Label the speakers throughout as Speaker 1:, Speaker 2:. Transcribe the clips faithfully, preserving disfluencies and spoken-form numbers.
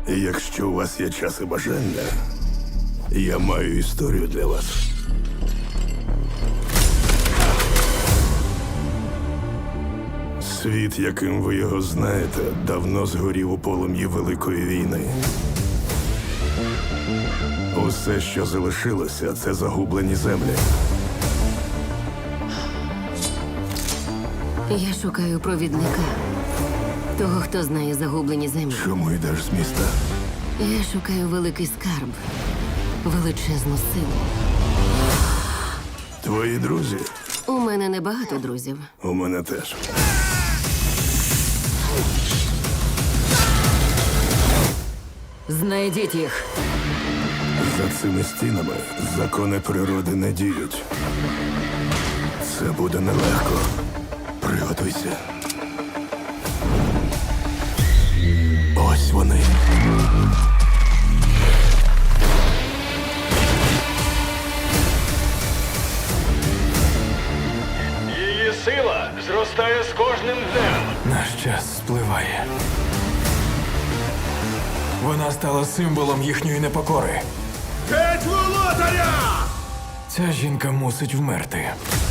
Speaker 1: Якщо у вас є час і бажання, я маю історію для вас. Світ, яким ви його знаєте, давно згорів у полум'ї Великої війни. Усе, що залишилося, це загублені землі.
Speaker 2: Я шукаю провідника. Того, хто знає загублені землі.
Speaker 1: Чому йдеш з міста?
Speaker 2: Я шукаю великий скарб. Величезну силу.
Speaker 1: Твої друзі?
Speaker 2: У мене небагато друзів.
Speaker 1: У мене теж.
Speaker 2: Знайдіть їх.
Speaker 1: За цими стінами закони природи не діють. Це буде нелегко. Приготуйся. Ось вони.
Speaker 3: Її сила зростає з кожним днем.
Speaker 4: Наш час спливає. Вона стала символом їхньої непокори.
Speaker 3: Геть володаря!
Speaker 4: Ця жінка мусить вмерти.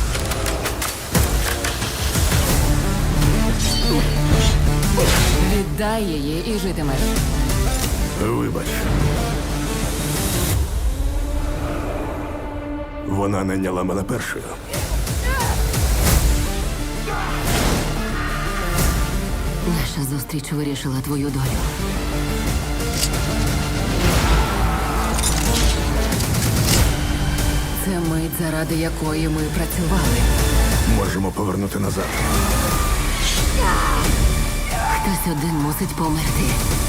Speaker 2: Віддай її і житимеш.
Speaker 1: Вибач. Вона найняла мене першою.
Speaker 2: Наша зустріч вирішила твою долю. Це мить, заради якої ми працювали.
Speaker 1: Можемо повернути назад.
Speaker 2: Хтось один мусить померти.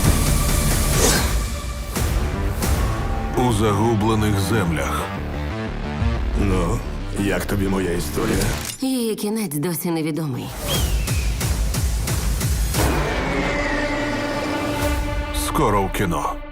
Speaker 1: У загублених землях. Ну, як тобі моя історія?
Speaker 2: Її кінець досі невідомий.
Speaker 1: Скоро в кіно.